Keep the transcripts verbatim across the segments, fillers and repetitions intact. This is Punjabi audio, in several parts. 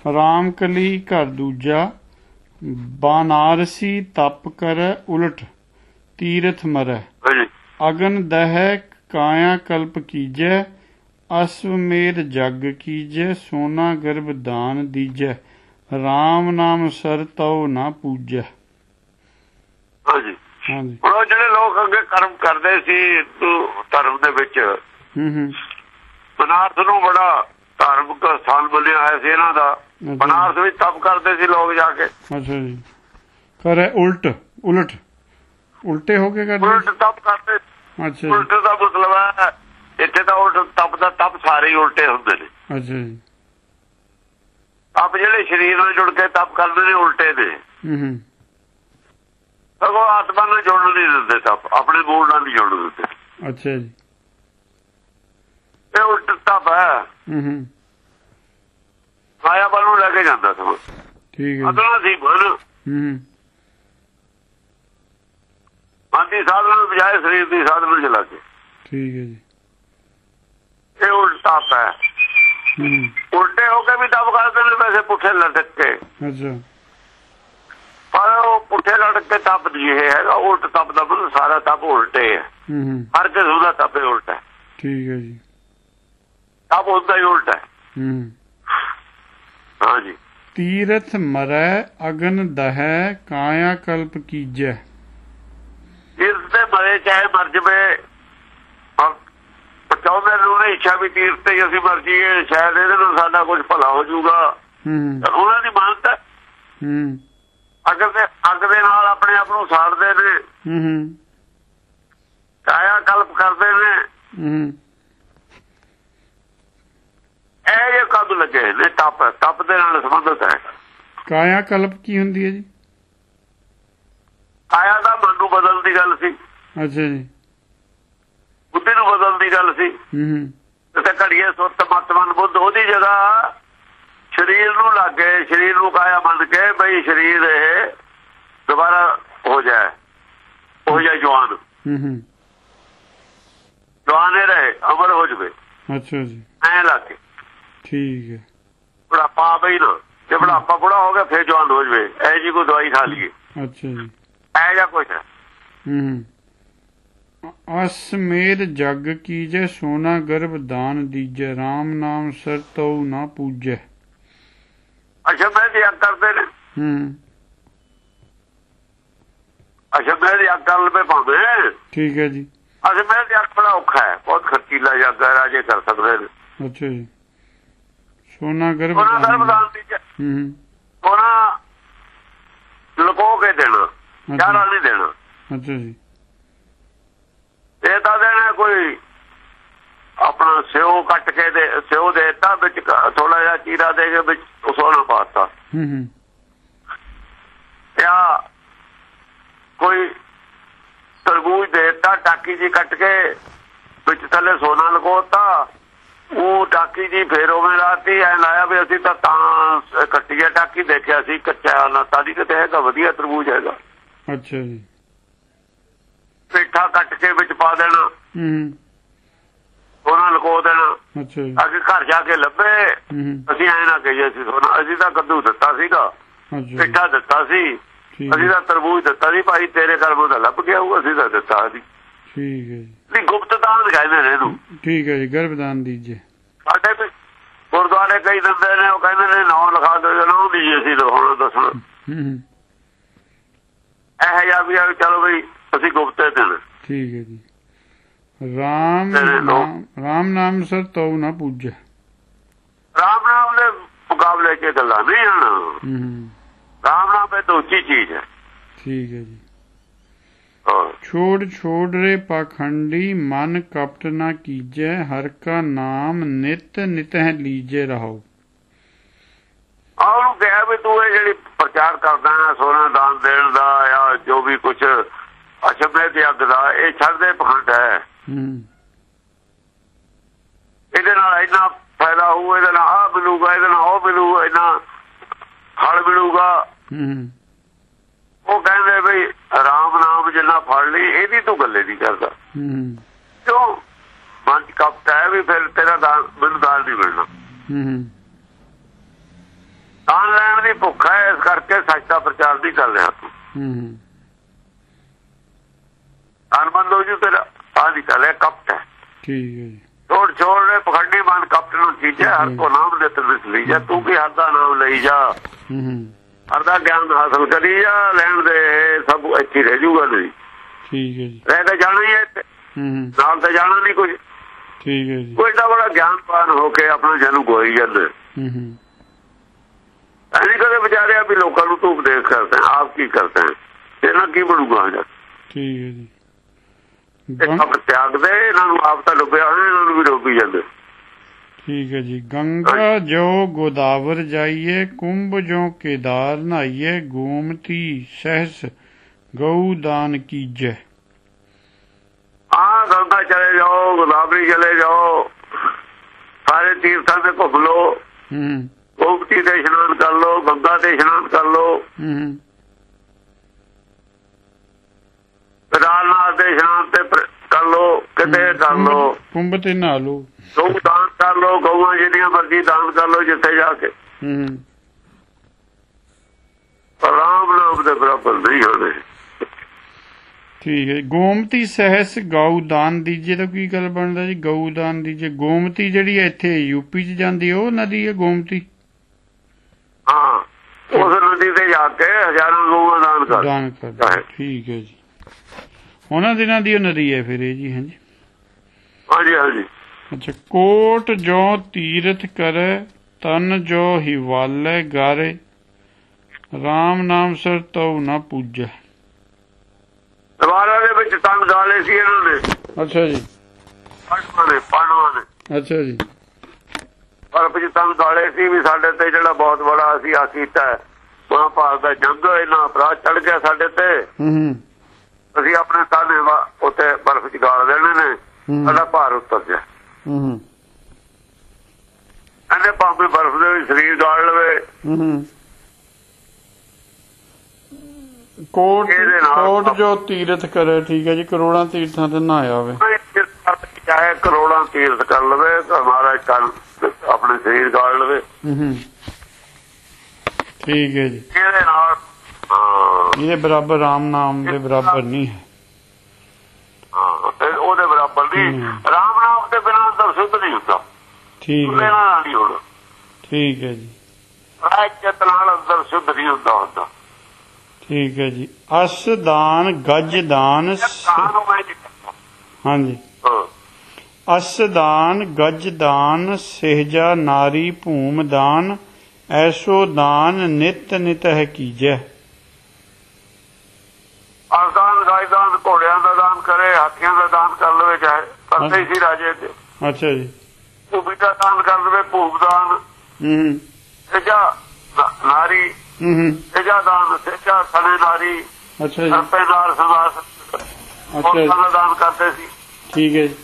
राम कली घर दूजा बनारसी तप करे उलट तीरथ मरै अगन दह काया कल्प कीजै अश्वमेध जग कीजै सोना गर्भ दान दीजै राम नाम सर तौ ना पूजै। ਹਾਂਜੀ ਹਾਂਜੀ ਉਹ ਜਿਹੜੇ ਲੋਕ ਅੱਗੇ ਕਰਮ ਕਰਦੇ ਸੀ ਹਿੰਦੂ ਧਰਮ ਦੇ ਵਿੱਚ ਬਨਾਰਸ ਨੂੰ ਬੜਾ ਧਾਰਮਿਕ ਸਥਾਨ ਬਣਿਆ ਹੋਇਆ ਸੀ ਇਹਨਾਂ ਦਾ। ਬਨਾਰਸ ਵਿੱਚ ਤਪ ਕਰਦੇ ਸੀ ਲੋਕ ਜਾ ਕੇ। ਅੱਛਾ ਜੀ ਕਰੇ ਉਲਟ ਉਲਟ ਉਲਟੇ ਹੋ ਕੇ ਕਰਦੇ ਉਲਟ ਤਪ ਕਰਦੇ। ਅੱਛਾ ਉਲਟ ਦਾ ਮਤਲਬ ਹੈ ਇੱਥੇ ਤਾਂ ਉਲਟ ਤਪ ਦਾ ਤਪ ਸਾਰੇ ਹੀ ਉਲਟੇ ਹੁੰਦੇ ਨੇ। ਅੱਛਾ ਜੀ ਤਪ ਜਿਹੜੇ ਸਰੀਰ ਨਾਲ ਜੁੜ ਕੇ ਤਪ ਕਰਦੇ ਨੇ ਉਲਟੇ ਨੇ। ਹੂੰ ਸਗੋਂ ਆਤਮਾ ਨਾਲ ਜੁੜਨ ਨਹੀਂ ਦਿੰਦੇ ਤਪ ਆਪਣੇ ਮੂਲ ਨਾਲ ਨਹੀਂ ਜੁੜਨ ਦਿੰਦੇ। ਅੱਛਾ ਜੀ ਇਹ ਉਲਟ ਤਪ ਹੈ। ਹੂੰ ਮਾਇਆ ਵੱਲ ਨੂੰ ਲੈ ਕੇ ਜਾਂਦਾ ਸਗੋਂ। ਠੀਕ ਹੈ ਅਦਲਾ ਸੀ ਮਨ। ਹੂੰ ਮਨ ਦੀ ਸਾਧਨਾ ਨੂੰ ਬਜਾਏ ਸਰੀਰ ਦੀ ਸਾਧਨਾ ਚਲਾ ਕੇ। ਠੀਕ ਹੈ ਜੀ ਇਹ ਉਲਟ ਤਪ ਹੈ। ਉਲਟੇ ਹੋ ਕੇ ਵੀ ਤਪ ਕਰਦੇ ਨੇ ਵੈਸੇ ਪੁੱਠੇ ਲਟਕ ਕੇ। ਅੱਛਾ ਪਰ ਉਹ ਪੁੱਠੇ ਲਟਕ ਕੇ ਤਪ ਨਹੀਂ ਇਹ ਹੈਗਾ। ਉਲਟ ਤਪ ਦਾ ਮਤਲਬ ਸਾਰਾ ਤਪ ਉਲਟੇ ਹੈ। ਹਰ ਕਿਸਮ ਦਾ ਤਪ ਉਲਟ ਹੈ। ਠੀਕ ਹੈ ਜੀ ਤਪ ਹੁੰਦਾ ਹੀ ਉਲਟ ਹੈ। ਹੂੰ ਹਾਂਜੀ ਤੀਰਥ ਮਰੈ ਅਗਨ ਦਹੈ ਕਾਇਆ ਕਲਪ ਕੀਜੈ। ਤੀਰਥ ਤੇ ਮਰੇ ਚਾਹੇ ਮਰ ਜਵੇ ਚਾਹੁੰਦੇ ਨੇ ਇੱਛਾ ਵੀ ਤੀਰਥ ਤੇ ਅਸੀਂ ਮਰ ਜੀਏ ਸ਼ਾਇਦ ਇਹਦੇ ਨਾਲ ਸਾਡਾ ਕੁਝ ਭਲਾ ਹੋ ਜਾਊਗਾ। ਉਹਨਾਂ ਦੀ ਮਾਨਤਾ ਅੱਗ ਦੇ ਅੱਗ ਦੇ ਨਾਲ ਆਪਣੇ ਆਪ ਨੂੰ ਸਾੜਦੇ ਨੇ। ਕਾਇਆ ਕਲਪ ਕਰਦੇ ਨੇ। ਇਹ ਜੇ ਕਦ ਲੱਗੇ ਨੇ ਤਪ ਤਪ ਦੇ ਨਾਲ ਸੰਬੰਧਿਤ ਹੈ। ਕਾਇਆ ਕਲਪ ਕੀ ਹੁੰਦੀ ਹੈ ਜੀ? ਕਾਇਆ ਦਾ ਮਨ ਨੂੰ ਬਦਲਣ ਦੀ ਗੱਲ ਸੀ। ਅੱਛਾ ਜੀ ਬੁੱਧੀ ਨੂੰ ਬਦਲਣ ਦੀ ਗੱਲ ਸੀ। ਤੇ ਘੜੀਏ ਸੁਰਤ ਮਤ ਮਨ ਬੁੱਧ ਉਹਦੀ ਜਗ੍ਹਾ ਸਰੀਰ ਨੂੰ ਲੱਗੇ ਸਰੀਰ ਨੂੰ ਕਾਇਆ ਮੰਨ ਕੇ ਬਈ ਸਰੀਰ ਇਹ ਦੁਬਾਰਾ ਹੋ ਜਾਏ ਹੋ ਜਾਏ ਜਵਾਨ ਜਵਾਨ ਹੀ ਰਹੇ ਅਮਰ ਹੋ ਜਾਵੇ। ਅੱਛਾ ਜੀ ਐਂ ਲੱਗ ਕੇ ਠੀਕ ਹੈ ਬੁਢਾਪਾ ਆਵੇ ਨਾ ਜੇ ਬੁਢਾਪਾ ਬੁੜਾ ਹੋ ਗਿਆ ਫਿਰ ਜਵਾਨ ਹੋ ਜਾਵੇ ਇਹ ਜੀ ਕੋਈ ਦਵਾਈ ਖਾ ਲਈਏ। ਅੱਛਾ ਜੀ ਇਹ ਜਿਹਾ ਕੁਛ ਹੈ। ਹੂੰ ਅਸਮੇਧ ਜਗ ਕੀਜੈ ਸੋਨਾ ਗਰਭ ਦਾਨ ਦੀਜੈ ਰਾਮ ਨਾਮ ਸਰ ਤਉ ਨਾ ਪੂਜੈ। ਅੱਛਾ ਮੈਂ ਯੱਗ ਕਰਦੇ ਨੇ। ਹੂੰ ਅੱਛਾ ਮੈਂ ਯੱਗ ਕਰ ਲਵੇ ਭਾਵੇਂ। ਠੀਕ ਹੈ ਜੀ ਅੱਛਾ ਮੈਂ ਯੱਗ ਬੜਾ ਔਖਾ ਹੈ ਬਹੁਤ ਖਰਚੀਲਾ ਯੱਗ ਹੈ ਰਾਜੇ ਕਰ ਸਕਦੇ ਨੇ। ਅੱਛਾ ਜੀ ਸੋਨਾ ਗਰਭ ਸੋਨਾ ਗਰਭ ਦਾਨ ਦੀਜੈ। ਹੂੰ ਸੋਨਾ ਲੁਕੋ ਕੇ ਦੇਣਾ ਚਾਰਾ ਨਹੀਂ ਦੇਣਾ। ਅੱਛਾ ਜੀ ਇਹ ਤਾਂ ਦੇਣਾ ਕੋਈ ਆਪਣਾ ਸਿਓ ਕੱਟ ਕੇ ਦੇ ਸਿਓ ਦੇ ਦਿੱਤਾ ਵਿੱਚ ਥੋੜਾ ਜਿਹਾ ਚੀਰਾ ਦੇ ਕੇ ਵਿੱਚ ਸੋਨਾ ਪਾਤਾ। ਜਾਂ ਕੋਈ ਤਰਬੂਜ ਦੇ ਦਿੱਤਾ ਟਾਕੀ ਜੀ ਕੱਟ ਕੇ ਵਿੱਚ ਥੱਲੇ ਸੋਨਾ ਲਗੋਤਾ ਉਹ ਟਾਕੀ ਜੀ ਫੇਰ ਉਵੇਂ ਲਾਤੀ ਐ ਲਾਇਆ ਵੀ ਅਸੀਂ ਤਾਂ ਤਾਂ ਕੱਟੀਏ ਟਾਕੀ ਦੇਖਿਆ ਸੀ ਕੱਚਾ ਨਾ ਤਾਦੀ ਕਿਤੇ ਹੈਗਾ ਵਧੀਆ ਤਰਬੂਜ ਹੈਗਾ। ਅੱਛਾ ਜੀ ਪੇਠਾ ਕੱਟ ਕੇ ਵਿੱਚ ਪਾ ਦੇਣਾ ਸੋਨਾ ਲਗੋ ਦੇਣਾ। ਅੱਗੇ ਘਰ ਜਾ ਕੇ ਲੱਭੇ ਅਸੀਂ ਐਂ ਨਾ ਕਹੀਏ ਸੀ ਸੋਨਾ ਅਸੀਂ ਤਾਂ ਕੱਦੂ ਦਿੱਤਾ ਸੀਗਾ ਪੇਠਾ ਦਿੱਤਾ ਸੀ ਅਸੀਂ ਤਾਂ ਤਰਬੂਜ ਦਿੱਤਾ ਸੀ ਭਾਈ ਤੇਰੇ ਕਰਮ ਦਾ ਲੱਭ ਗਿਆ ਉਹ ਅਸੀਂ ਤਾਂ ਦਿੱਤਾ ਸੀ। ਠੀਕ ਹੈ ਜੀ ਗੁਪਤ ਦਾਨ ਕਹਿੰਦੇ ਨੇ ਇਹਨੂੰ। ਠੀਕ ਹੈ ਜੀ ਗਰਭ ਦਾਨ ਦੀਜੇ। ਸਾਡੇ ਵੀ ਗੁਰਦੁਆਰੇ ਕਈ ਦਿੰਦੇ ਨੇ ਉਹ ਕਹਿੰਦੇ ਨੇ ਨਾਂ ਲਿਖਾ ਦਿਓ ਨਾਂ ਨਹੀਂ ਅਸੀਂ ਲਿਖਾਉਣਾ ਦੱਸਣਾ ਇਹ ਜਿਹਾ ਵੀ ਚਲੋ ਬਈ ਅਸੀਂ ਗੁਪਤੇ ਦੇਣ। ਠੀਕ ਹੈ ਜੀ ਰਾਮ ਰਾਮ ਨਾਮ ਸਰ ਤਉ ਨਾ ਪੂਜੈ। ਰਾਮ ਨਾਮ ਦੇ ਮੁਕਾਬਲੇ ਚ ਗੱਲਾਂ ਨਹੀਂ ਹਨ। ਰਾਮ ਨਾਮ ਇਹ ਤਾਂ ਉੱਚੀ ਚੀਜ਼ ਹੈ। ਠੀਕ ਹੈ ਜੀ ਛੋੜ ਛੋੜ ਰੇ ਪਾਖੰਡੀ ਮਨ ਕਪਟ ਨਾ ਕੀਜੈ ਹਰ ਕਾ ਨਾਮ ਨਿਤ ਨਿਤ ਹੈ ਲੀਜੇ ਰਹੋ। ਉਹਨੂੰ ਕਿਹਾ ਵੀ ਤੂੰ ਇਹ ਜਿਹੜੀ ਪ੍ਰਚਾਰ ਕਰਦਾ ਸੋਨਾ ਦਾਨ ਦੇਣ ਦਾ ਜਾਂ ਜੋ ਵੀ ਕੁਛ ਅਸ਼ਮੇ ਦੇ ਅੱਗ ਦਾ ਇਹ ਛੱਡਦੇ ਪਖੰਡ ਹੈ। ਇਹਦੇ ਨਾਲ ਇੰਨਾ ਫਾਇਦਾ ਹੋਊ ਇਹਦੇ ਨਾਲ ਆਹ ਮਿਲੂਗਾ ਇਹਦੇ ਨਾਲ ਉਹ ਮਿਲੂਗਾ ਇੰਨਾ ਫਲ ਮਿਲੂਗਾ। ਉਹ ਕਹਿੰਦੇ ਬਈ ਰਾਮ ਨਾਮ ਜਿੰਨਾ ਫੜ ਲਈ ਇਹਦੀ ਤੂੰ ਗੱਲੇ ਨਹੀਂ ਕਰਦਾ ਕਿਉਂ ਮਨ ਚ ਕਪਟ ਹੈ ਵੀ ਫਿਰ ਤੇਰਾ ਦਾਨ ਮੈਨੂੰ ਦਾਨ ਨਹੀਂ ਮਿਲਣਾ। ਦੀ ਭੁੱਖ ਹੈ, ਇਸ ਕਰਕੇ ਸੱਚ ਦਾ ਪ੍ਰਚਾਰ ਨਹੀਂ ਕਰ ਰਿਹਾ ਤੂੰ। ਹੂੰ ਅਨਬੰਦ ਹੋ ਜੂ ਤੇਰਾ ਆ ਨਹੀਂ ਕਰ ਰਿਹਾ, ਕਪਟ ਹੈ। ਠੀਕ ਹੈ ਜੀ। ਛੋੜ ਛੋੜ ਨੇ ਪਖੰਡੀ ਮਨ ਕਪਟ ਨੂੰ ਚੀਜੇ, ਹਰ ਕੋ ਨਾਮ ਦੇ ਤਰ ਲਈ ਜਾ, ਤੂੰ ਵੀ ਹਰ ਦਾ ਨਾਮ ਲਈ ਜਾ, ਹਰ ਦਾ ਗਿਆਨ ਹਾਸਲ ਕਰੀ ਜਾ, ਲੈਣ ਦੇ ਸਭ ਇੱਥੇ ਰਹਿ ਜੂਗਾ ਨਹੀਂ। ਠੀਕ ਹੈ ਜੀ। ਰਹਿ ਤਾਂ ਜਾਣਾ ਹੀ ਹੈ, ਨਾਲ ਤਾਂ ਜਾਣਾ ਨਹੀਂ ਕੁਝ। ਠੀਕ ਹੈ ਜੀ। ਕੋਈ ਏਡਾ ਬੜਾ ਗਿਆਨਵਾਨ ਹੋ ਕੇ ਆਪਣਾ ਜਨਮ ਗੋਈ ਜਾਂਦੇ, ਐਨੀ ਕਦੇ ਵਿਚਾਰਿਆ ਵੀ ਲੋਕਾਂ ਨੂੰ ਤੂੰ ਉਪਦੇਸ਼ ਕਰਦੇ ਆਪ ਕੀ ਕਰਦੇ ਇਹਨਾਂ ਕੀ ਬਣੂਗਾ। ਠੀਕ ਹੈ ਜੀ। ਸਭ ਤਿਆਗ ਦੇ ਇਹਨਾਂ ਨੂੰ, ਆਪ ਤਾਂ ਡੁੱਬਿਆ ਹੋਇਆ, ਇਹਨਾਂ ਨੂੰ ਵੀ ਡੁੱਬੀ ਜਾਂਦੇ। ਠੀਕ ਹੈ ਜੀ। ਗੰਗਾ ਜੋ ਗੋਦਾਵਰ ਜਾਈਏ, ਕੁੰਭ ਜੋ ਕੇਦਾਰ ਨਹਾਈਏ, ਗੋਮਤੀ ਸਹਿਸ ਗਊ ਦਾਨ ਕੀਜੈ। ਹਾਂ, ਗੰਗਾ ਚਲੇ ਜਾਓ, ਗੋਦਾਵਰੀ ਚਲੇ ਜਾਓ, ਸਾਰੇ ਤੀਰਥਾਂ ਤੇ ਘੁੰਮ ਲੋ, ਗੋਮਤੀ ਤੇ ਇਸ਼ਨਾਨ ਕਰ ਲੋ, ਗੰਗਾ ਤੇ ਇਸ਼ਨਾਨ ਕਰ ਲੋ, ਕੇਦਾਰਨਾਥ ਦੇ ਇਸ਼ਨਾਨ ਤੇ ਕਰ ਲੋ, ਕਿਤੇ ਕਰ ਲੋ, ਕੁੰਭ ਤੇ ਨਹਾ ਲੋ, ਗਊ ਦਾਨ ਕਰ ਲੋ, ਗਊਆਂ ਜਿਹੜੀਆਂ ਮਰਜ਼ੀ ਦਾਨ ਕਰ ਲੋ ਜਿੱਥੇ ਜਾ ਕੇ। ਰਾਮ ਨਾਮ ਦੇ ਬਰਾਬਰ ਨਹੀਂ ਹੋਣੇ। ਠੀਕ ਹੈ। ਗੋਮਤੀ ਸਹਿਸ ਗਊ ਦਾਨ ਦੀਜੇ ਤਾਂ ਕੀ ਗੱਲ ਬਣਦਾ ਜੀ? ਗਊ ਦਾਨ ਦੀਜੇ, ਗੋਮਤੀ ਜਿਹੜੀ ਇੱਥੇ ਯੂਪੀ ਚ ਜਾਂਦੀ ਉਹ ਨਦੀ ਹੈ ਗੋਮਤੀ? ਹਾਂ, ਉਸ ਨਦੀ ਤੇ ਜਾ ਕੇ ਹਜ਼ਾਰਾਂ ਗਊਆਂ ਦਾਨ ਕਰ ਦਾਨ ਕਰ। ਠੀਕ ਹੈ ਜੀ। ਉਹਨਾਂ ਦਿਨਾਂ ਦੀ ਉਹ ਨਦੀ ਹੈ ਫਿਰ ਇਹ ਜੀ? ਹਾਂਜੀ ਹਾਂਜੀ ਹਾਂਜੀ। ਅੱਛਾ। ਕੋਟ ਜੋ ਤੀਰਥ ਕਰੇ, ਤਨ ਜੋ ਹਿਵਾਲੇ ਗਾਰੇ, ਰਾਮ ਨਾਮ ਸਰ ਤਉ ਨਾ ਪੂਜੈ। ਦਵਾਰਾਂ ਦੇ ਵਿੱਚ ਤਨ ਗਾਲੇ ਸੀ ਇਹਨਾਂ ਨੇ। ਅੱਛਾ ਜੀ। ਪਾਂਡਵਾਂ ਨੇ ਪਾਂਡਵਾਂ ਨੇ ਅੱਛਾ ਜੀ। ਪਰ ਵਿੱਚ ਤਨ ਗਾਲੇ ਸੀ ਵੀ ਸਾਡੇ ਤੇ ਜਿਹੜਾ ਬਹੁਤ ਬੜਾ ਅਸੀਂ ਆ ਕੀਤਾ ਮਹਾਂਭਾਰਤ ਦਾ ਜੰਗ, ਇਹਨਾਂ ਅਪਰਾਧ ਚੜ ਗਿਆ ਸਾਡੇ ਤੇ, ਅਸੀਂ ਆਪਣੇ ਤਾਨੇ ਉੱਥੇ ਬਰਫ਼ ਚ ਗਾਲ ਦੇਣੇ ਨੇ, ਸਾਡਾ ਭਾਰ ਉੱਤਰ ਜਾ। ਇਹਨੇ ਭਾਵੇਂ ਬਰਫ਼ ਦੇ ਵਿੱਚ ਸਰੀਰ ਗਾਲ ਲਵੇ। ਕੋਟ ਕੋਟ ਜੋ ਤੀਰਥ ਕਰੇ। ਠੀਕ ਹੈ ਜੀ। ਕਰੋੜਾਂ ਤੀਰਥਾਂ ਤੇ ਨਹਾਇਆ ਹੋਵੇ, ਚਾਹੇ ਕਰੋੜਾਂ ਤੀਰਥ ਕਰ ਲਵੇ, ਮਹਾਰਾਜ ਕੱਲ ਆਪਣੇ ਸਰੀਰ ਗਾਲ ਲਵੇ। ਠੀਕ ਹੈ ਜੀ। ਇਹਦੇ ਨਾਲ ਇਹਦੇ ਬਰਾਬਰ ਰਾਮ ਨਾਮ ਦੇ ਬਰਾਬਰ ਨਹੀਂ ਹੈ। ਉਹਦੇ ਬਰਾਬਰ ਨਹੀਂ। ਰਾਮ ਨਾਮ ਦੇ ਬਿਨਾਂ ਅੰਦਰ ਸ਼ੁੱਧ ਨਹੀਂ ਹੁੰਦਾ। ਠੀਕ ਹੈ। ਨਹੀਂ ਹੋਣਾ। ਠੀਕ ਹੈ ਜੀ। ਚਿੱਤ ਨਾਲ ਅੰਦਰ ਸ਼ੁੱਧ ਨਹੀਂ ਹੁੰਦਾ ਹੁੰਦਾ। ਠੀਕ ਹੈ ਜੀ। ਅਸ ਦਾਨ ਗਜ ਦਾਨ। ਹਾਂਜੀ। ਅਸ ਦਾਨ ਗਜ ਦਾਨ, ਸਹਿਜਾ ਨਾਰੀ ਭੂਮ ਦਾਨ, ਐਸੋ ਦਾਨ ਨਿਤ ਨਿਤ ਹੈ ਕੀਜੈ। ਅਰਦਾਨ ਗਾਇਦਾਨ, ਘੋੜਿਆਂ ਦਾ ਦਾਨ ਕਰੇ, ਹਾਥੀਆਂ ਦਾ ਦਾਨ ਕਰ ਲਵੇ, ਚਾਹੇ ਕਰਦੇ ਸੀ ਰਾਜੇ ਤੇ। ਅੱਛਾ ਜੀ। ਭੂਮੀ ਦਾ ਦਾਨ ਕਰ ਲਵੇ, ਭੂਮ ਦਾਨ, ਸਹਿਜਾ ਨਾਰੀ, ਸਹਿਜਾ ਦਾਨ, ਸਹਿਜਾ ਸਣੇ ਨਾਰੀ, ਸਰਪੇ ਨਾਲ ਸਮਾਸ ਦਾ ਦਾਨ ਕਰਦੇ ਸੀ। ਠੀਕ ਹੈ ਜੀ।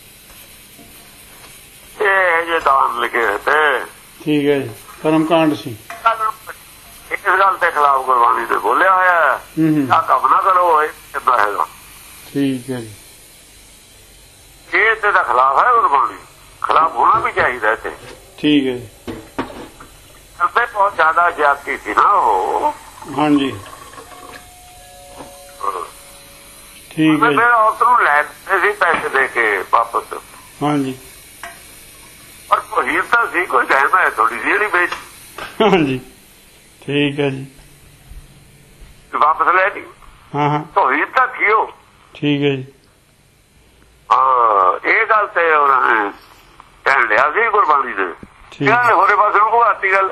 ਇਹ ਜੇ ਦਾਨ ਲਿਖੇ ਹੋਏ ਤੇ। ਠੀਕ ਹੈ ਜੀ। ਕਰਮਕਾਂਡ ਸੀ। ਇਸ ਗੱਲ ਦੇ ਖਿਲਾਫ ਗੁਰਬਾਣੀ ਨੇ ਬੋਲਿਆ ਹੋਇਆ, ਆ ਕੰਮ ਨਾ ਕਰੋ, ਇਹ ਕਿੱਦਾਂ ਹੈਗਾ। ਠੀਕ ਹੈ ਜੀ। ਇਹ ਤੇ ਦਾ ਖਿਲਾਫ ਹੈ ਗੁਰਬਾਣੀ, ਖਿਲਾਫ ਹੋਣਾ ਵੀ ਚਾਹੀਦਾ ਇੱਥੇ। ਠੀਕ ਹੈ ਜੀ। ਕਰਦੇ ਬਹੁਤ ਜ਼ਿਆਦਾ ਜ਼ਿਆਦਤੀ ਸੀ ਨਾ ਉਹ। ਹਾਂਜੀ। ਠੀਕ ਹੈ। ਫਿਰ ਔਰਤ ਨੂੰ ਲੈ ਸੀ ਪੈਸੇ ਦੇ ਕੇ ਵਾਪਸ। ਹਾਂਜੀ। ਪਰ ਕੋਈ ਤਾਂ ਸੀ, ਕੋਈ ਕਹਿੰਦਾ ਹੈ ਥੋੜੀ ਜਿਹੀ ਜਿਹੜੀ ਵੇਚ। ਹਾਂਜੀ। ਠੀਕ ਹੈ ਜੀ। ਵਾਪਸ ਲੈ ਲਈ। ਹਾਂ ਹਾਂ। ਤੋਹੀਦ ਤਾਂ ਥੀਓ। ਠੀਕ ਹੈ ਜੀ। ਹਾਂ, ਇਹ ਗੱਲ ਤੇ ਉਹਨਾਂ ਨੇ ਕਹਿ ਲਿਆ ਸੀ ਗੁਰਬਾਣੀ ਨੇ। ਇਹਨਾਂ ਨੇ ਹੋਰੇ ਪਾਸੇ ਨੂੰ ਘੁਆਤੀ ਗੱਲ।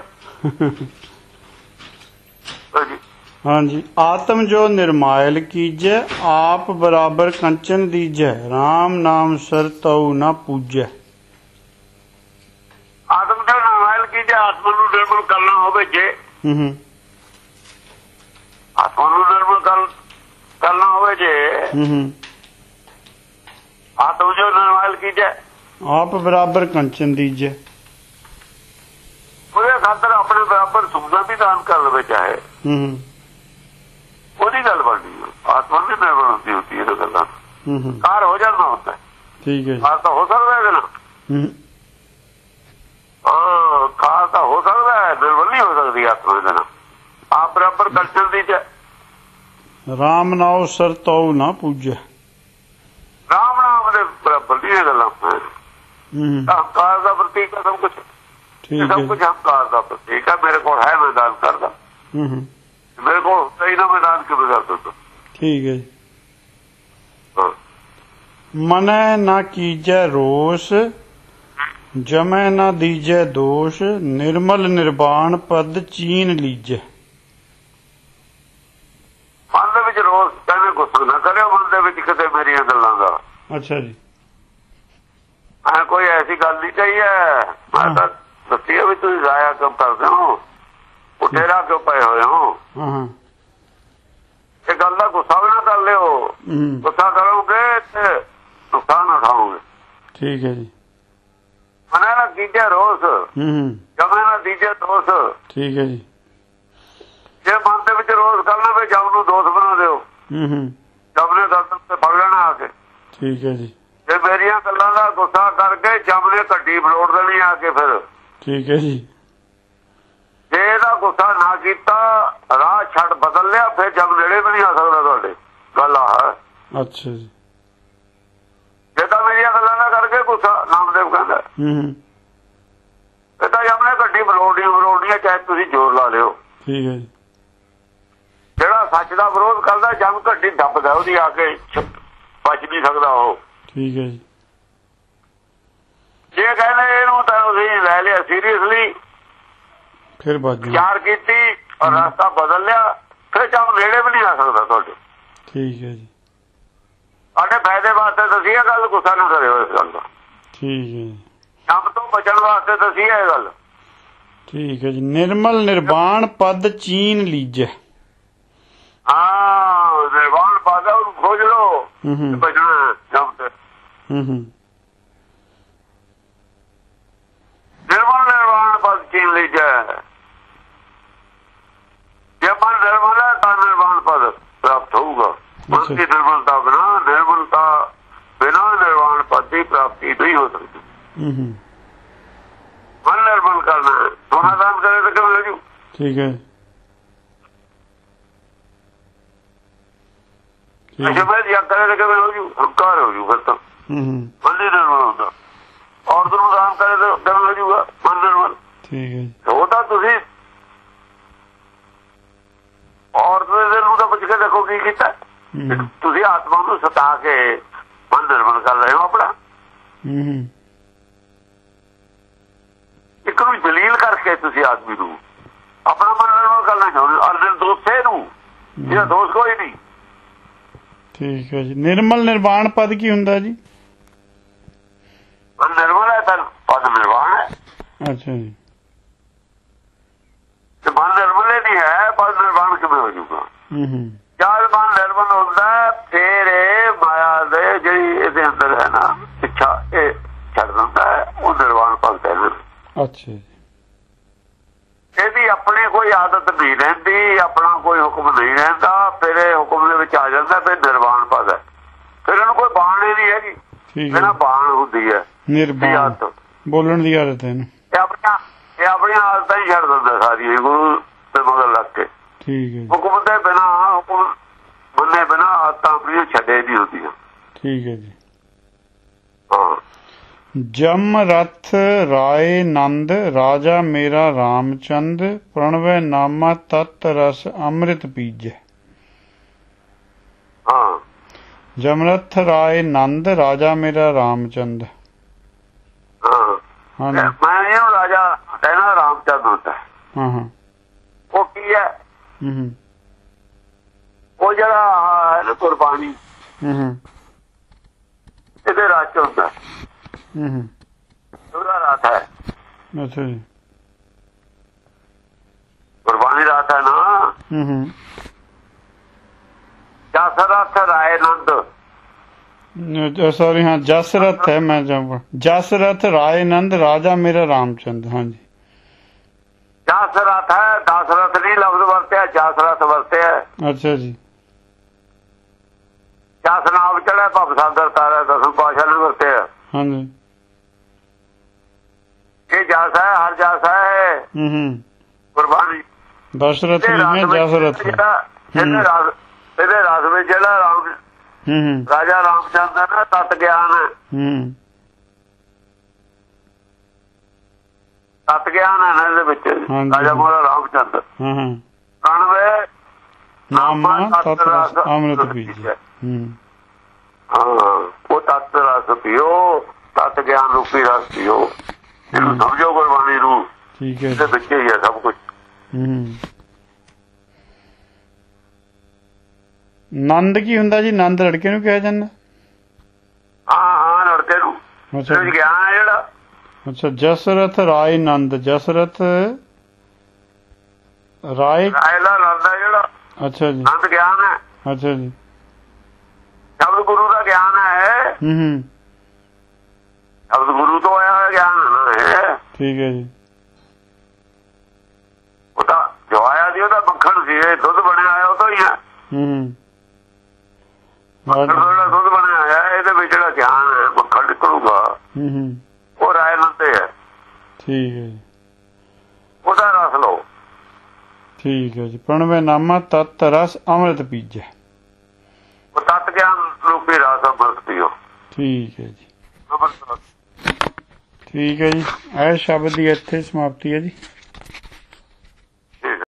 ਹਾਂਜੀ। ਆਤਮ ਜੋ ਨਿਰਮਾਇਲ ਕੀਜੈ, ਆਪ ਬਰਾਬਰ ਕੰਚਨ ਦੀਜੈ, ਰਾਮ ਨਾਮ ਸਰ ਤਉ ਨਾ ਪੂਜੈ। ਆਤਮ ਜੋ ਨਿਰਮਾਇਲ ਕੀਜੈ, ਆਤਮਾ ਨੂੰ ਨਿਰਮਲ ਕਰਨਾ ਹੋਵੇ ਜੇ, ਆਤਮਾ ਨੂੰ ਨਿਰਮਲ ਕਰਨਾ ਹੋਵੇ ਜੇ, ਆਤਮ ਜੋ ਨਿਰਮਾਇਲ ਕੀਜੈ, ਆਪ ਬਰਾਬਰ ਕੰਚਨ ਦੀਜੈ। ਉਹਦੇ ਖਾਤਰ ਆਪਣੇ ਬਰਾਬਰ ਸੁਖਦਾ ਵੀ ਦਾਨ ਕਰ ਲਵੇ ਚਾਹੇ, ਉਹਦੀ ਗੱਲ ਬਣਦੀ। ਆਤਮਾ ਦੀ ਨਿਰਮਲ ਹੁੰਦੀ ਹੁੰਦੀ ਇਹ ਗੱਲਾਂ ਕਾਰ ਹੋ ਜਾਂਦਾ ਹੁੰਦਾ। ਠੀਕ ਹੈ। ਕਾਰ ਤਾਂ ਹੋ ਸਕਦਾ ਇਹਦੇ ਨਾਲ। ਹਾਂ, ਕਾਰ ਤਾਂ ਹੋ ਸਕਦਾ ਹੈ, ਨਿਰਮਲ ਨਹੀਂ ਹੋ ਸਕਦੀ ਆਤਮਾ ਇਹਦੇ ਨਾਲ। ਚ ਰਾਮ ਨਾਉ ਸਰ ਤਉ ਨਾ ਪੂਜੈ। ਰਾਮ ਨਾਮ ਦੇ ਬਰਾਬਰ ਦੀਆਂ ਗੱਲਾਂ। ਹੰਕਾਰ ਦਾ ਪ੍ਰਤੀਕ ਹੈ ਸਭ ਕੁਛ, ਸਭ ਕੁਛ ਹੰਕਾਰ ਦਾ ਪ੍ਰਤੀਕ ਹੈ। ਮੇਰੇ ਕੋਲ ਹੈ, ਮੈਂ ਦਾਨ ਕਰਦਾ। ਮੇਰੇ ਕੋਲ ਹੁੰਦਾ ਹੀ ਨਾ, ਮੈਂ ਦਾਨ ਕਿਵੇਂ ਕਰ ਦਿੰਦਾ। ਠੀਕ ਹੈ ਜੀ। ਮਨੈ ਨਾ ਕੀਜੈ ਰੋਸ, ਜਮੈ ਨਾ ਦੀਜੈ ਦੋਸ਼, ਨਿਰਮਲ ਨਿਰਵਾਣ ਪਦ ਚੀਨ ਲੀਜੈ। ਮਨ ਦੇ ਵਿੱਚ ਰੋਸ ਕਹਿੰਦੇ ਗੁੱਸਾ ਨਾ ਕਰਿਓ, ਮਨ ਦੇ ਵਿੱਚ ਕਿਤੇ ਮੇਰੀਆਂ ਗੱਲਾਂ ਦਾ। ਅੱਛਾ ਜੀ। ਮੈਂ ਕੋਈ ਐਸੀ ਗੱਲ ਨਹੀਂ ਕਹੀ ਹੈ, ਮੈਂ ਤਾਂ ਦੱਸੀ ਹੈ ਵੀ ਤੁਸੀਂ ਜ਼ਾਇਆ ਕਿਉਂ ਕਰਦੇ ਹੋ, ਉਠੇਰਾ ਕਿਉਂ ਪਏ ਹੋਏ ਹੋ। ਇਹ ਗੱਲ ਦਾ ਗੁੱਸਾ ਵੀ ਨਾ ਕਰ ਲਿਓ, ਗੁੱਸਾ ਕਰੋਗੇ ਤੇ ਨੁਕਸਾਨ ਉਠਾਓਗੇ। ਠੀਕ ਹੈ ਜੀ। ਮਨੈ ਨਾ ਕੀਜੈ ਰੋਸ, ਜਮੈ ਨਾ ਦੀਜੈ ਦੋਸ਼। ਠੀਕ ਹੈ ਜੀ। ਜੇ ਮਨ ਦੇ ਵਿੱਚ ਰੋਸ ਕਰਨਾ ਫਿਰ ਜਮ ਨੂੰ ਦੋਸ਼ ਬਣਾ ਦਿਓ, ਜਮ ਨੇ ਗਲਤ ਤੇ ਫੜ ਲੈਣਾ ਆ ਕੇ। ਠੀਕ ਹੈ ਜੀ। ਜੇ ਮੇਰੀਆਂ ਗੱਲਾਂ ਦਾ ਗੁੱਸਾ ਕਰਕੇ ਜਮ ਨੇ ਘੱਟੀ ਫਲੋੜ ਦੇਣੀ ਆ ਕੇ ਫਿਰ। ਠੀਕ ਹੈ ਜੀ। ਜੇ ਇਹਦਾ ਗੁੱਸਾ ਨਾ ਕੀਤਾ, ਰਾਹ ਛੱਡ ਬਦਲ ਲਿਆ, ਫਿਰ ਜਮ ਨੇੜੇ ਵੀ ਨਹੀਂ ਆ ਸਕਦਾ ਤੁਹਾਡੇ। ਗੱਲ ਆ ਹੈ। ਅੱਛਾ ਜੀ। ਜੇ ਤਾਂ ਮੇਰੀਆਂ ਗੱਲਾਂ ਦਾ ਕਰਕੇ ਗੁੱਸਾ, ਨਾਮਦੇਵ ਕਹਿੰਦਾ ਇਹ ਤਾਂ ਜਮ ਨੇ ਘੱਟੀ ਫਲੋੜਨੀ ਫਲੋੜਨੀ ਹੈ, ਚਾਹੇ ਤੁਸੀਂ ਜ਼ੋਰ ਲਾ ਲਿਓ। ਠੀਕ ਹੈ ਜੀ। ਜਿਹੜਾ ਸੱਚ ਦਾ ਵਿਰੋਧ ਕਰਦਾ, ਜਮ ਘੱਟੀ ਦੱਬਦਾ ਉਹਦੀ ਆ ਕੇ, ਬਚ ਨਹੀਂ ਸਕਦਾ ਉਹ। ਠੀਕ ਹੈ ਜੀ। ਜੇ ਕਹਿੰਦੇ ਇਹਨੂੰ ਤਾਂ ਤੁਸੀਂ ਲੈ ਲਿਆ ਸੀਰੀਅਸਲੀ, ਫਿਰ ਵਿਚਾਰ ਕੀਤੀ ਔਰ ਰਸਤਾ ਬਦਲ ਲਿਆ, ਫਿਰ ਜਮ ਨੇੜੇ ਵੀ ਨਹੀਂ ਆ ਸਕਦਾ ਤੁਹਾਡੇ। ਠੀਕ ਹੈ ਜੀ। ਸਾਡੇ ਫਾਇਦੇ ਵਾਸਤੇ ਦੱਸੀ ਇਹ ਗੱਲ, ਗੁੱਸਾ ਨਾ ਕਰਿਓ ਇਸ ਗੱਲ ਦਾ। ਠੀਕ ਹੈ। ਜਮ ਤੋਂ ਬਚਣ ਵਾਸਤੇ ਦੱਸੀ ਇਹ ਗੱਲ। ਠੀਕ ਹੈ ਜੀ। ਨਿਰਮਲ ਨਿਰਵਾਣ ਪਦ ਚੀਨ ਲੀਜੈ। ਹਾਂ, ਨਿਰਵਾਣ ਪਦ ਉਹਨੂੰ ਖੋਜ ਲੋ, ਬਚਣਾ ਜਮ ਤੇ। ਨਿਰਮਲ ਨਿਰਵਾਣ ਪਦ ਚੀਨ ਲੀਜੈ। ਜੇ ਮਨ ਨਿਰਮਲ ਹੈ ਤਾਂ ਨਿਰਵਾਣ ਪਦ ਪ੍ਰਾਪਤ ਹੋਊਗਾ। ਮਨ ਦੀ ਨਿਰਮਲਤਾ ਬਿਨਾ, ਨਿਰਮਲਤਾ ਬਿਨਾ ਨਿਰਵਾਣ ਪਦ ਦੀ ਪ੍ਰਾਪਤੀ ਨਹੀਂ ਹੋ ਸਕਦੀ। ਮਨ ਨਿਰਮਲ ਕਰਨਾ, ਸੋਨਾ ਦਾਨ ਕਰੇ ਤਾਂ ਕਿਵੇਂ ਹੋ ਜੂ। ਠੀਕ ਹੈ। ਅੱਛਾ, ਮੈਂ ਯਾਦ ਕਰੇ ਤਾਂ ਕਿਵੇਂ ਹੋ ਜੂ, ਹੰਕਾਰ ਹੋ ਜੂ। ਫਿਰ ਤਾਂ ਮਨ ਹੀ ਨਿਰਮਲ ਹੁੰਦਾ। ਔਰਤ ਨੂੰ ਦਾਨ ਕਰੇ ਤਾਂ ਕਿਵੇਂ ਹੋ ਜੂਗਾ, ਮਨ ਨਿਰਮਲ। ਠੀਕ ਹੈ। ਉਹ ਤਾਂ ਤੁਸੀਂ ਔਰਤ ਦੇ ਦਿਲ ਨੂੰ ਤਾਂ ਪੁੱਛ ਕੇ ਦੇਖੋ ਕੀ ਕੀਤਾ। ਤੁਸੀਂ ਆਤਮਾ ਨੂੰ ਸਤਾ ਕੇ ਮਨ ਨਿਰਮਲ ਕਰ ਰਹੇ ਹੋ ਆਪਣਾ। ਇੱਕ ਨੂੰ ਜਲੀਲ ਕਰਕੇ ਤੁਸੀਂ ਆਦਮੀ ਨੂੰ ਆਪਣਾ ਮਨ ਨਿਰਮਲ ਕਰਨਾ ਚਾਹੁੰਦੇ ਹੋ, ਅਰ ਦੋਸੇ ਨੂੰ, ਜਿਹੜਾ ਦੋਸ਼ ਕੋਈ ਨਹੀਂ। ਠੀਕ ਹੈ ਜੀ। ਨਿਰਮਲ ਨਿਰਵਾਣ ਪਦ ਕੀ ਹੁੰਦਾ ਜੀ? ਮਨ ਨਿਰਮਲ ਹੈ ਤਾਂ ਪਦ ਨਿਰਵਾਣ ਹੈ। ਅੱਛਾ ਜੀ। ਤੇ ਮਨ ਨਿਰਮਲ ਨਹੀਂ ਹੈ, ਪਦ ਨਿਰਵਾਣ ਕਿਵੇਂ ਹੋ ਜੂਗਾ? ਜਦ ਮਨ ਨਿਰਮਲ ਹੁੰਦਾ, ਫੇਰ ਇਹ ਮਾਇਆ ਦੇ ਜਿਹੜੀ ਇਹਦੇ ਅੰਦਰ ਹੈ ਨਾ ਇੱਛਾ, ਇਹ ਛੱਡ ਦਿੰਦਾ ਹੈ, ਉਹ ਨਿਰਵਾਣ ਪਦ ਕਹਿੰਦੇ। ਅੱਛਾ ਜੀ। ਇਹਦੀ ਆਪਣੀ ਕੋਈ ਆਦਤ ਨਹੀਂ ਰਹਿੰਦੀ, ਆਪਣਾ ਕੋਈ ਹੁਕਮ ਨਹੀਂ ਰਹਿੰਦਾ, ਫਿਰ ਇਹ ਹੁਕਮ ਦੇ ਵਿੱਚ ਆ ਜਾਂਦਾ, ਫਿਰ ਨਿਰਵਾਣ ਪਦ ਹੈ। ਫਿਰ ਇਹਨੂੰ ਕੋਈ ਬਾਣ ਹੀ ਨਹੀਂ ਹੈਗੀ, ਇਹਨਾਂ ਬਾਣ ਹੁੰਦੀ ਹੈ ਨਿਰਵਾਣ, ਬੋਲਣ ਦੀ ਆਦਤ ਹੈ। ਇਹ ਆਪਣੀਆਂ ਇਹ ਆਪਣੀਆਂ ਆਦਤਾਂ ਹੀ ਛੱਡ ਦਿੰਦਾ ਸਾਰੀਆਂ, ਗੁਰੂ ਦੇ ਮਗਰ ਲੱਗ ਕੇ। ਠੀਕ ਹੈ। ਹੁਕਮ ਦੇ ਬਿਨਾਂ, ਹੁਕਮ ਮੰਨੇ ਬਿਨਾਂ ਆਦਤਾਂ ਆਪਣੀਆਂ ਛੱਡੇ ਨਹੀਂ ਹੁੰਦੀਆਂ। ਠੀਕ ਹੈ ਜੀ। ਹਾਂ। ਜਮ ਰਥ ਰਾਏ ਨੰਦ, ਰਾਜਾ ਮੇਰਾ ਰਾਮਚੰਦ, ਪ੍ਰਣਵੈ ਨਾਮਾ ਤਤ ਰਸ ਅੰਮ੍ਰਿਤ ਪੀਜੈ। ਹਾਂ। ਜਮਰਥ ਰਾਏ ਨੰਦ, ਰਾਜਾ ਮੇਰਾ ਰਾਮਚੰਦ। ਹਾਂ। ਮੈਂ ਇਹਨੂੰ ਰਾਜਾ ਕਹਿਣਾ, ਰਾਮਚੰਦ ਹੁੰਦਾ। ਹਾਂ ਹਾਂ। ਉਹ ਕੀ ਹੈ? ਉਹ ਜਿਹੜਾ ਹੈ ਨਾ ਕੁਰਬਾਨੀ, ਇਹਦੇ ਰਾਜ ਹੁੰਦਾ। ਉਹਦਾ ਰਾਤ ਹੈ। ਅੱਛਾ ਜੀ। ਕੁਰਬਾਨੀ ਰਾਤ ਹੈ ਨਾ। ਜਸਰਥ ਰਾਏ ਨੰਦ, ਸੌਰੀ ਹਾਂ ਜਸਰਥ ਹੈ, ਮੈਂ ਜਸਰਥ ਰਾਏ ਨੰਦ, ਰਾਜਾ ਮੇਰਾ ਰਾਮਚੰਦ। ਹਾਂਜੀ। ਜਸਰਥ ਹੈ, ਦਸਰਥ ਨਹੀਂ ਲਫ਼ਜ਼ ਵਰਤਿਆ, ਜਸਰਥ ਵਰਤਿਆ। ਅੱਛਾ ਜੀ। ਜਸ ਨਾਮ ਚੜਿਆ ਭਵ ਸਾਗਰ ਤਾਰਿਆ, ਦਸਮ ਪਾਤਸ਼ਾਹ ਨੇ ਵਰਤਿਆ। ਹਾਂਜੀ। ਇਹ ਜਸ ਹੈ, ਹਰ ਜਸ ਹੈ ਕੁਰਬਾਨੀ। ਦਸ਼ਰਥ ਨਹੀਂ ਜਸਰਥ। ਇਹਦੇ ਰਸ ਇਹਦੇ ਰਸ ਵਿੱਚ ਜਿਹੜਾ ਰਾਮ ਰਾਜਾ ਰਾਮਚੰਦ ਹੈ ਨਾ, ਤਤ ਗਿਆਨ ਹੈ, ਤਤ ਗਿਆਨ ਹੈ ਨਾ ਇਹਦੇ ਵਿੱਚ। ਰਾਜਾ ਮੋਹਰਾ ਰਾਮਚੰਦ ਕਣਵੇ ਨਾਮਾ ਤਤ ਰਸ ਅੰਮ੍ਰਿਤ ਪੀਜੈ। ਹਾਂ, ਉਹ ਤਤ ਰਸ ਪੀਓ, ਤਤ ਗਿਆਨ ਰੂਪੀ ਰਸ ਪੀਓ, ਇਹਨੂੰ ਸਮਝੋ ਗੁਰਬਾਣੀ ਨੂੰ। ਠੀਕ ਹੈ, ਇਹਦੇ ਵਿੱਚ ਹੀ ਹੈ ਸਭ ਕੁਛ। ਨੰਦ ਕੀ ਹੁੰਦਾ ਜੀ? ਨੰਦ ਲੜਕੇ ਨੂੰ ਕਿਹਾ ਜਾਂਦਾ? ਹਾਂ ਹਾਂ, ਲੜਕੇ ਨੂੰ ਗਿਆਨ ਹੈ ਜਿਹੜਾ। ਅੱਛਾ, ਜਸਰਥ ਰਾਏ ਨੰਦ, ਜਸਰਥ ਰਾਏ ਰਾਏ ਦਾ ਨੰਦ ਹੈ ਜਿਹੜਾ। ਅੱਛਾ ਜੀ, ਨੰਦ ਗਿਆਨ ਹੈ। ਅੱਛਾ ਜੀ, ਸ਼ਬਦ ਗੁਰੂ ਦਾ ਗਿਆਨ ਹੈ। ਹੂੰ ਹੂੰ, ਸ਼ਬਦ ਗੁਰੂ ਤੋਂ ਆਇਆ ਹੋਇਆ ਗਿਆਨ ਹੈ। ਠੀਕ ਹੈ ਜੀ, ਉਹਦਾ ਜੋ ਆਇਆ ਸੀ ਉਹਦਾ ਮੱਖਣ ਸੀ, ਇਹ ਦੁੱਧ ਬਣਿਆ ਹੋਇਆ ਉਹ ਤੋਂ ਹੀ ਹੈ। ਹੂੰ, ਜਿਹੜਾ ਦੁੱਧ ਬਣਿਆ ਹੋਇਆ ਇਹਦੇ ਵਿੱਚ ਜਿਹੜਾ ਗਿਆਨ ਹੈ, ਮੱਖਣ ਨਿਕਲੂਗਾ, ਉਹ ਰਾਏ ਨੰਦੇ ਹੈ। ਠੀਕ ਹੈ ਜੀ, ਉਹਦਾ ਰਸ ਲਓ। ਠੀਕ ਹੈ ਜੀ, ਪ੍ਰਣਵੇ ਨਾਮਾ ਤਤ ਰਸ ਅੰਮ੍ਰਿਤ ਪੀਜੈ। ਉਹ ਤਤ ਗਿਆਨ ਰੂਪੀ ਰਸ ਅੰਮ੍ਰਿਤ ਪੀਓ। ਠੀਕ ਹੈ ਜੀ, ਠੀਕ ਹੈ ਜੀ। ਇਹ ਸ਼ਬਦ ਦੀ ਇੱਥੇ ਸਮਾਪਤੀ ਹੈ ਜੀ।